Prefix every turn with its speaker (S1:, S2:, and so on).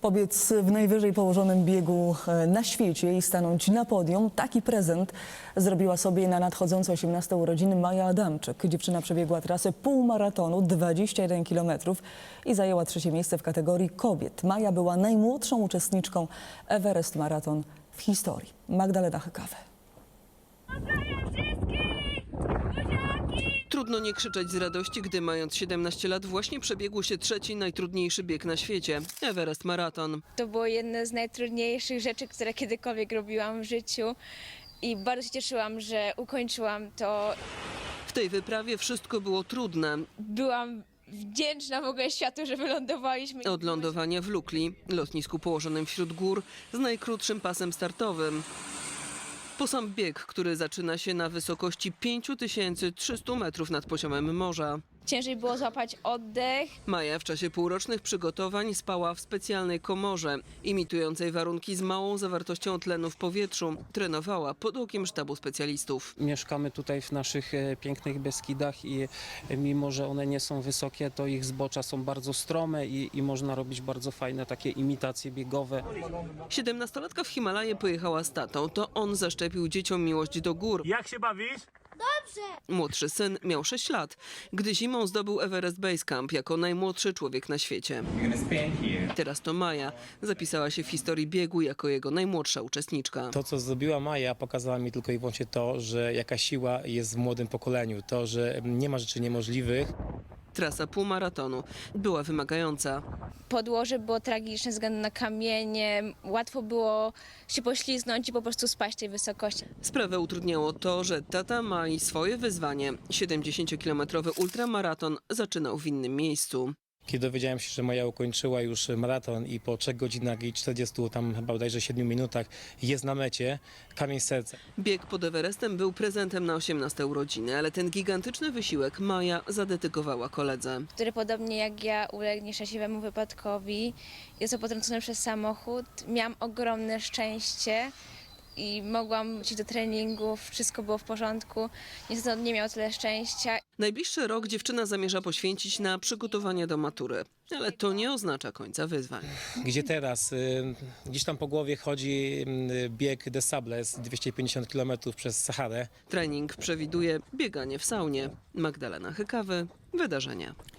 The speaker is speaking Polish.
S1: Pobiec w najwyżej położonym biegu na świecie i stanąć na podium. Taki prezent zrobiła sobie na nadchodzące 18 urodziny Maja Adamczyk. Dziewczyna przebiegła trasę półmaratonu 21 km i zajęła trzecie miejsce w kategorii kobiet. Maja była najmłodszą uczestniczką Everest Marathon w historii. Magdalena Hykawy.
S2: Trudno nie krzyczeć z radości, gdy mając 17 lat właśnie przebiegł się trzeci najtrudniejszy bieg na świecie – Everest Marathon.
S3: To było jedno z najtrudniejszych rzeczy, które kiedykolwiek robiłam w życiu i bardzo się cieszyłam, że ukończyłam to.
S2: W tej wyprawie wszystko było trudne.
S3: Byłam wdzięczna w ogóle światu, że wylądowaliśmy.
S2: Od lądowania w Lukli, lotnisku położonym wśród gór z najkrótszym pasem startowym. Po sam bieg, który zaczyna się na wysokości 5300 metrów nad poziomem morza.
S3: Ciężej było złapać oddech.
S2: Maja w czasie półrocznych przygotowań spała w specjalnej komorze, imitującej warunki z małą zawartością tlenu w powietrzu. Trenowała pod okiem sztabu specjalistów.
S4: Mieszkamy tutaj w naszych pięknych Beskidach i mimo, że one nie są wysokie, to ich zbocza są bardzo strome i można robić bardzo fajne takie imitacje biegowe.
S2: 17-latka w Himalaje pojechała z tatą. To on zaszczepił dzieciom miłość do gór.
S5: Jak się bawisz?
S2: Młodszy syn miał 6 lat, gdy zimą zdobył Everest Base Camp jako najmłodszy człowiek na świecie. Teraz to Maja zapisała się w historii biegu jako jego najmłodsza uczestniczka.
S6: To, co zrobiła Maja, pokazała mi tylko i wyłącznie to, że jaka siła jest w młodym pokoleniu. To, że nie ma rzeczy niemożliwych.
S2: Trasa półmaratonu była wymagająca.
S3: Podłoże było tragiczne ze względu na kamienie. Łatwo było się poślizgnąć i po prostu spaść z tej wysokości.
S2: Sprawę utrudniało to, że tata Mai swoje wyzwanie. 70-kilometrowy ultramaraton zaczynał w innym miejscu.
S6: Kiedy dowiedziałem się, że Maja ukończyła już maraton i po 3 godzinach i 40, tam chyba bodajże 7 minutach jest na mecie, kamień z serca.
S2: Bieg pod Everestem był prezentem na 18 urodziny, ale ten gigantyczny wysiłek Maja zadedykowała koledze.
S3: Który podobnie jak ja uległ nieszczęśliwemu wypadkowi. Jest potrącony przez samochód. Miałam ogromne szczęście i mogłam iść do treningów, wszystko było w porządku. Niestety on nie miał tyle szczęścia.
S2: Najbliższy rok dziewczyna zamierza poświęcić na przygotowanie do matury, ale to nie oznacza końca wyzwań.
S6: Gdzie teraz? Gdzieś tam po głowie chodzi bieg des Sables, 250 km przez Saharę.
S2: Trening przewiduje bieganie w saunie. Magdalena Hykawy, Wydarzenia.